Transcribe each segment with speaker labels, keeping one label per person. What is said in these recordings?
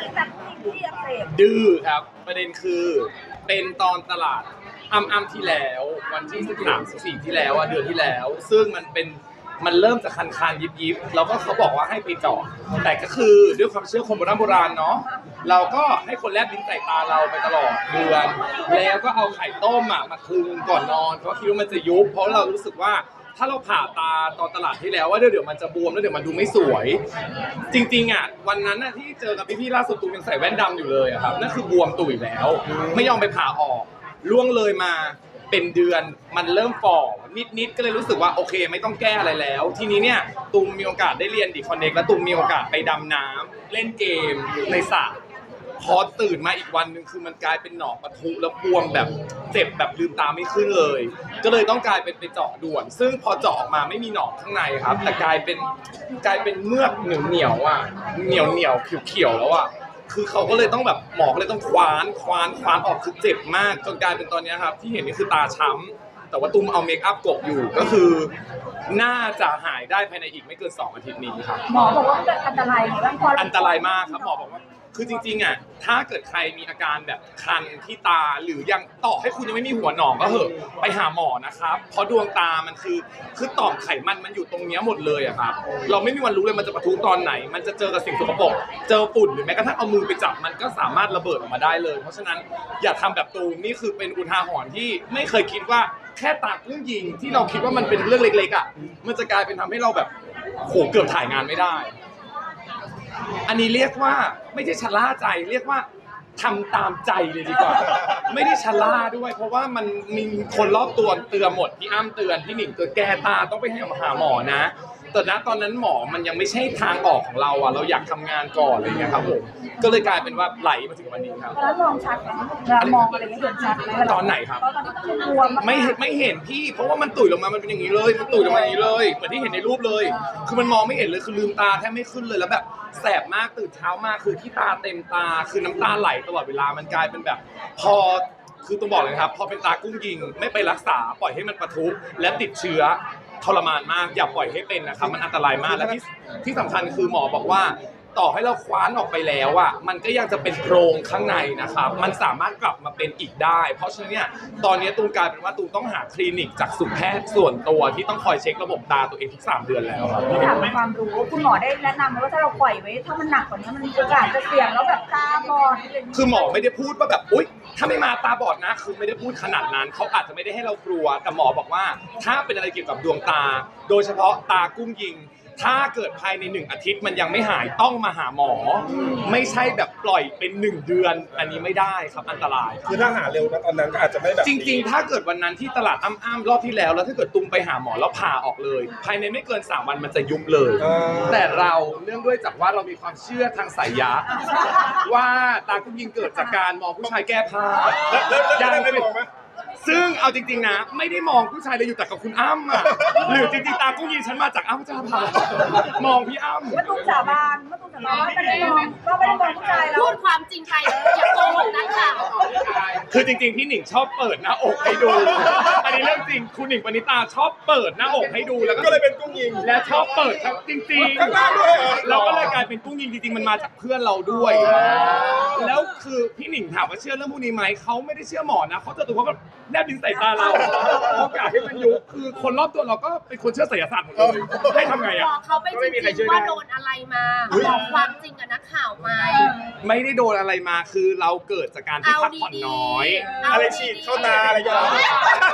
Speaker 1: แบบที่อักเสบ
Speaker 2: ดื้อครับประเด็นคือเป็นตอนตลาดอ้ำที่แล้ววันที่13-14ที่แล้วเดือนที่แล้วซึ่งมันเริ่มจากคันยิบแล้วก็เขาบอกว่าให้ไปเจาะแต่ก็คือด้วยความเชื่อคนโบราณเนาะเราก็ให้คนแลบลิ้นใส่ตาเราไปตลอดเดือนแล้วก็เอาไข่ต้มมาคลึงก่อนนอนเพราะคิดว่ามันจะยุบเพราะเรารู้สึกว่าถ้าเราผ่าตาตอนตลาดที่แล้วว่าเดี๋ยวมันจะบวมแล้วเดี๋ยวมันดูไม่สวยจริงๆวันนั้นที่เจอกับพี่ๆล่าสุดตูยังใส่แว่นดำอยู่เลยครับนั่นคือบวมตุ่ยแล้วไม่ยอมไปผ่าออกล่วงเลยมาเป็นเดือนมันเริ่มฝ่อนิดก็เลยรู้สึกว่าโอเคไม่ต้องแก้อะไรแล้วทีนี้เนี่ยตูมมีโอกาสได้เรียนดีคอนเน็กและตูมมีโอกาสไปดำน้ำเล่นเกมในสระพอตื่นมาอีกวันหนึ่งคือมันกลายเป็นหนองปะทุแล้วบวมแบบเจ็บแบบลืมตาไม่ขึ้นเลยก็เลยต้องกลายเป็นไปเจาะด่วนซึ่งพอเจาะออกมาไม่มีหนองข้างในครับแต่กลายเป็นเมือกเหนียวเหนียวเขียวแล้วคือเขาก็เลยต้องแบบหมอก็เลยต้องคว้านออกคือเจ็บมากจนกลายเป็นตอนนี้ครับที่เห็นนี่คือตาช้ำแต่ว่าตุ้มเอาเมคอัพกบอยู่ก็คือน่าจะหายได้ภายในอีกไม่เกิน2 อาทิตย์นี้ครับ
Speaker 1: หมอบอกว่ามันจะอันตรายไหมบ้างพอ
Speaker 2: อันตรายมากครับหมอบอกว่าคือจริงๆถ้าเกิดใครมีอาการแบบคันที่ตาหรือยังต่อให้คุณยังไม่มีหัวหนองก็เหอะไปหาหมอนะครับเพราะดวงตามันคือต่อมไขมันอยู่ตรงนี้หมดเลยครับเราไม่มีวันรู้เลยมันจะปะทุตอนไหนมันจะเจอกับสิ่งสกปรกเจอฝุ่นหรือแม้กระทั่งเอามือไปจับมันก็สามารถระเบิดออกมาได้เลยเพราะฉะนั้นอย่าทำแบบตูมนี่คือเป็นอุทาหรณ์ที่ไม่เคยคิดว่าแค่ตากุ้งยิงที่เราคิดว่ามันเป็นเรื่องเล็กๆมันจะกลายเป็นทำให้เราแบบโหเกือบถ่ายงานไม่ได้อันนี้เรียกว่าไม่ใช่ชะล่าใจเรียกว่าทำตามใจเลยดีกว่าไม่ได้ชะล่าด้วยเพราะว่ามันมีคนรอบตัวเตือนหมดพี่อ้ำเตือนพี่หนิงเตือนแกตาต้องไปหาหมอนะแต่ณตอนนั้นหมอมันยังไม่ใช่ทางออกของเราเราอยากทำงานก่อนอะไรอย่างเงี้ยครับผมก็เลยกลายเป็นว่าไหลมาถึงวันนี้ครับ
Speaker 1: แล้วมองชัดไหมมองอะไรเงี้ยเห็นชัดไหม
Speaker 2: ตอนไหนครับ
Speaker 1: ตอนที่บวม
Speaker 2: ไม่เห็นพี่เพราะว่ามันตุ๋ยลงมามันเป็นอย่างนี้เลยมันตุ๋ยลงมาอย่างนี้เลยเหมือนที่เห็นในรูปเลยคือมันมองไม่เห็นเลยคือลืมตาแทบไม่ขึ้นเลยแล้วแบบแสบมากตื่นเช้ามาคือที่ตาเต็มตาคือน้ำตาไหลตลอดเวลามันกลายเป็นแบบพอคือต้องบอกเลยครับพอเป็นตากุ้งยิงไม่ไปรักษาปล่อยให้มันปะทุและติดเชื้อทรมานมากอย่าปล่อยให้เป็นนะครับมันอันตรายมากและที่สำคัญคือหมอบอกว่าต่อให้เราคว้านออกไปแล้วมันก็ยังจะเป็นโพรงข้างในนะครับมันสามารถกลับมาเป็นอีกได้เพราะฉะนั้นเนี่ยตอนนี้ตูมกลายเป็นว่าตูมต้องหาคลินิกจากสุแพทย์ส่วนตัวที่ต้องคอยเช็คระบบตาตัวเองทุก3 เดือนแล้วครับ
Speaker 1: ที่ถามความรู้คุณหมอได้แนะนำไหมว่าถ้าเราปล่อยไว้ถ้ามันหนักกว่านี้มันโอกาสจะเสี่ยงแล้วแบบตาบอด
Speaker 2: คือหมอไม่ได้พูดว่าแบบอุ๊ยถ้าไม่มาตาบอดนะคือไม่ได้พูดขนาดนั้นเขาอาจจะไม่ได้ให้เรากลัวแต่หมอบอกว่าถ้าเป็นอะไรเกี่ยวกับดวงตาโดยเฉพาะตากุ้งยิงถ้าเกิดภายใน1 อาทิตย์มันยังไม่หายต้องมาหาหมอไม่ใช่แบบปล่อยเป็น1 เดือนอันนี้ไม่ได้ครับอันตราย
Speaker 3: คือถ้าหาเร็วนะตอนนั้นก็อาจจะไม่แบบ
Speaker 2: จริงๆถ้าเกิดวันนั้นที่ตลาดอ้ำรอบที่แล้วถ้าเกิดตุ้มไปหาหมอแล้วผ่าออกเลยภายในไม่เกิน3 วันมันจะยุบเลยแต่เราเนื่องด้วยจากว่าเรามีความเชื่อทางไสยะว่าตากุ้งยิงเกิดจากการมองผู้ชายแก้ผ้า
Speaker 3: ยังไม่มองไหม
Speaker 2: ซึ่งเอาจริงๆนะไม่ได้มองผู้ชายเลยอยู่แต่กับคุณอ้ำหรือจริงๆตากุ้งยิงฉันมาจากอ้ำจ้าพามองพี่อ้ำ
Speaker 1: มาตุ้มสาบานว่าไม่ได้มองผู้ชายแล้ว
Speaker 4: พูดความจริงไปอย่าโกหกนักข่าว
Speaker 2: คือจริงๆพี่หนิงชอบเปิดหน้าอกให้ดูอันนี้เรื่องจริงคุณหนิงปณิตาชอบเปิดหน้าอกให้ดูแล้ว
Speaker 3: ก็เลยเป็นกุ้งยิง
Speaker 2: และชอบเปิดจริงๆ
Speaker 3: ข้างล่างด้วย
Speaker 2: เราก็เลยกลายเป็นกุ้งยิงจริงๆมันมาจากเพื่อนเราด้วยแล้วคือพี่หนิงถามว่าเชื่อเรื่องพวกนี้ไหมเขาไม่ได้เชื่อหมอนะเขาจะตัวเขาก็แนบดินใส่ตาเราโอกาสที่มันยุบคือคนรอบตัวเราก็เป็นคนเชื่อไสยศาสตร์หมดเลยให้ทำไง
Speaker 4: บอกเขาไปจริงๆว่าโดนอะไรมาบอกความจริงกับนักข่าวไหม
Speaker 2: ไม่ได้โดนอะไรมาคือเราเกิดจากการที่พักผ่อนน้อย
Speaker 3: อะไรฉีดเข้าตาอะไรอย่างเงี้ย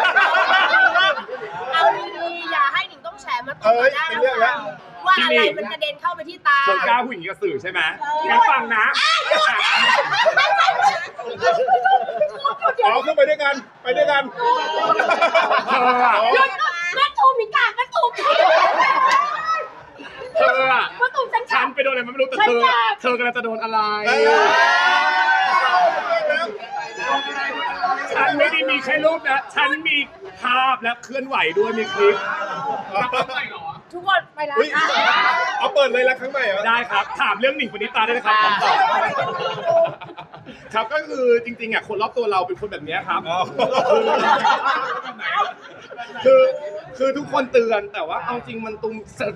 Speaker 4: เอาดีๆอย่าให้หนิงต้องแฉมาตบได้แล้วว่าอะไรมันกระเด็นเข้าไปที่ตา
Speaker 2: คนกล้าผู้หญิงกระสือใช่ไหมงั้นฟังนะ
Speaker 3: อ๋อขึ้นไปด้วยกันไปด้วยกัน
Speaker 4: หยุดมาตูมมีกากมาตูมมาตูม
Speaker 2: ฉันไปโดนอะไรไม่รู้แต่เธอกำลังจะโดนอะไรฉันไม่ได้มีแค่รูปนะฉันมีภาพและเคลื่อนไหวด้วยมีคลิป
Speaker 4: ทุกคนไปแล้ว
Speaker 3: เอาเปิดเลยละครั้งใหม่เหรอ
Speaker 2: ได้ครับถามเรื่องหนิงปณิตาได้นะครับผมตอบครับก็คือจริงๆคนรอบตัวเราเป็นคนแบบนี้ครับคือทุกคนเตือนแต่ว่าเอาจริงมันตุ้ม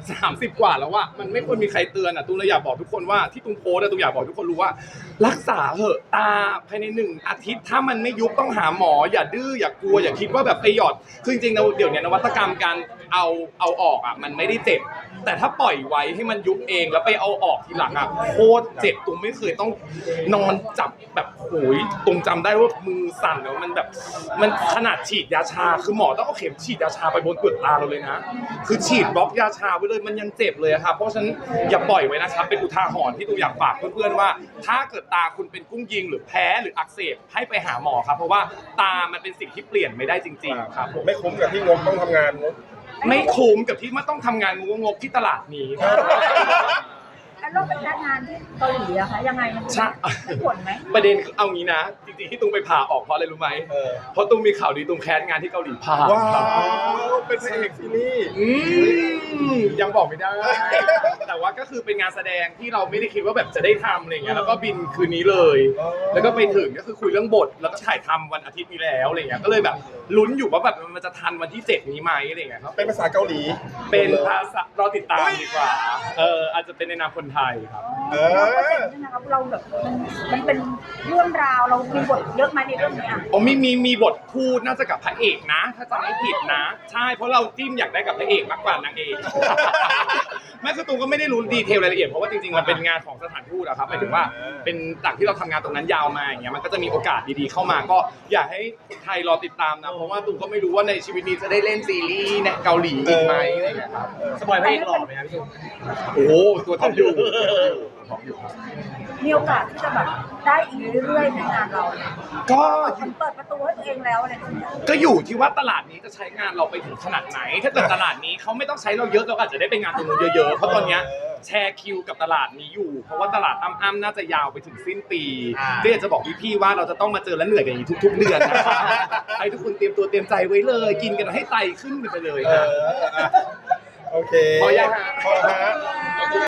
Speaker 2: 30 กว่าแล้วอะมันไม่ควรมีใครเตือนอะตุ้มเลยอยากบอกทุกคนว่าที่ตุ้มโพสต์ตุ้มอยากบอกทุกคนรู้ว่า รักษาเหอะตาภายใน1 อาทิตย์ถ้ามันไม่ยุบต้องหาหมออย่าดื้ออย่ากลัวอย่าคิดว่าแบบไปหยอดคือจริงๆเดี๋ยวนี้นวัตกรรมการเอาออกอะมันไม่ได้เจ็บแต่ถ้าปล่อยไว้ให้มันยุบเองแล้วไปเอาออกทีหลังอะโคตรเจ็บตุ้มไม่เคยต้องนอนจับแบบโหยตุ้มจำได้ว่ามือสั่นแล้วมันแบบมันขนาดฉีดยาชาคือหมอต้องเอาเข็มฉีดยาชาไปบนเปลือกตาเราเลยนะคือฉีดบล็อกยาชาไว้เลยมันยังเจ็บเลยครับเพราะฉะนั้นอย่าปล่อยไว้นะครับเป็นอุทาหรณ์ที่ตุ้มอยากฝากเพื่อนๆว่าถ้าเกิดตาคุณเป็นกุ้งยิงหรือแพ้หรืออักเสบให้ไปหาหมอครับเพราะว่าตามันเป็นสิ่งที่เปลี่ยนไม่ได้จริงๆครับผม
Speaker 3: ไม่คุ้มกับที่งบต้องทำงานงบ
Speaker 2: ไม่คุ้มกับที่มันต้องทำงานงกๆที่ตลาดนี้
Speaker 1: แล้วเราเป็นพนักงานที่เกาหลีอะคะยังไงมัน
Speaker 2: ใช่
Speaker 1: ได้ผลไหม
Speaker 2: ประเด็นเอางี้นะจริงๆที่ตุ้มไปผ่าออกเพราะอะไรรู้ไหมเพราะตุ้มมีข่าวดีตุ้มแคสงานที่เกาหลีผ่า
Speaker 3: ว้า
Speaker 2: ครับ
Speaker 3: วเป็นพระเอกซีรีส์
Speaker 2: ยังบอกไม่ได้ แต่ว่าก็คือเป็นงานแสดงที่เราไม่ได้คิดว่าแบบจะได้ทำอะไรเงี้ยแล้วก็บินคืนนี้เลย แล้วก็ไปถึงก็คือคุยเรื่องบทแล้วก็ถ่ายทำวันอาทิตย์นี้แล้วอะไรเงี้ยก็เลยแบบลุ้นอยู่ว่าแบบมันจะทันวันที่7นี้ไหมอะไรเงี้ยครับ
Speaker 3: เป็นภาษาเกาหลี
Speaker 2: เป็นภาษารอติดตามดีกว่าอาจจะเป็นในนามคนไทยครับ
Speaker 1: เราก็เห็นใช่ไหมครับเราแบบมันเป็นเรื่องราวเรามีบทเยอะไหมในเรื่องนี้อะ
Speaker 2: อ๋อมีบทพูดน่าจะกับพระเอกนะ ถ้าจำไม่ผิดนะ ใช่เพราะเราจิ้มอยากได้กับพระเอกมากกว่านางเอก แม่คือตูมก็ไม่ได้รู้ดีเทลรายละเอียดเพราะว่าจริงๆมันเป็นงานของสถานทูตอะครับหมายถึงว่าเป็นจากที่เราทำงานตรงนั้นยาวมาอย่างเงี้ยมันก็จะมีโอกาสดีๆเข้ามาก็อยากให้คนไทยรอติดตามนะเพราะว่าตูมก็ไม่รู้ว่าในชีวิตนี้จะได้เล่นซีรีส์ในเกาหลีอีกไหมอะไรอย่างเงี้ยครับ
Speaker 5: สปอยพระเอกหล่อไหมครับพี่ตูน
Speaker 2: โอ้โหตัวท็อปอยู่ท็อปอยู่ครับ
Speaker 1: มีโอกาสที่จะแบบได้อีกเรื่อยๆในงานเราเนี่ย
Speaker 2: ก็
Speaker 1: มันเปิดประตูให้ตัวเองแล้วอะไรอย่างเงี้ย
Speaker 2: ก็อยู่ที่ว่าตลาดนี้จะใช้งานเราไปถึงขนาดไหน ถ้าเกิดตลาดนี้เขาไม่ต้องใช้เราเยอะเราอาจจะได้ไปงานตรงนู้นเยอะๆ เพราะตอนเนี้ยแชร์คิวกับตลาดนี้อยู่ เพราะว่าตลาดอ้ำๆน่าจะยาวไปถึงสิ้นปีก็อยากจะบอกพี่ๆว่าเราจะต้องมาเจอและเหนื่อยกันอย่างนี้ทุกๆเดือนนะครับให้ทุกคนเตรียมตัวเตรียมใจไว้เลย กินกันให้ไตขึ้นไปเลยนะ
Speaker 3: โอเค
Speaker 2: พอยังฮะ
Speaker 3: พอฮะ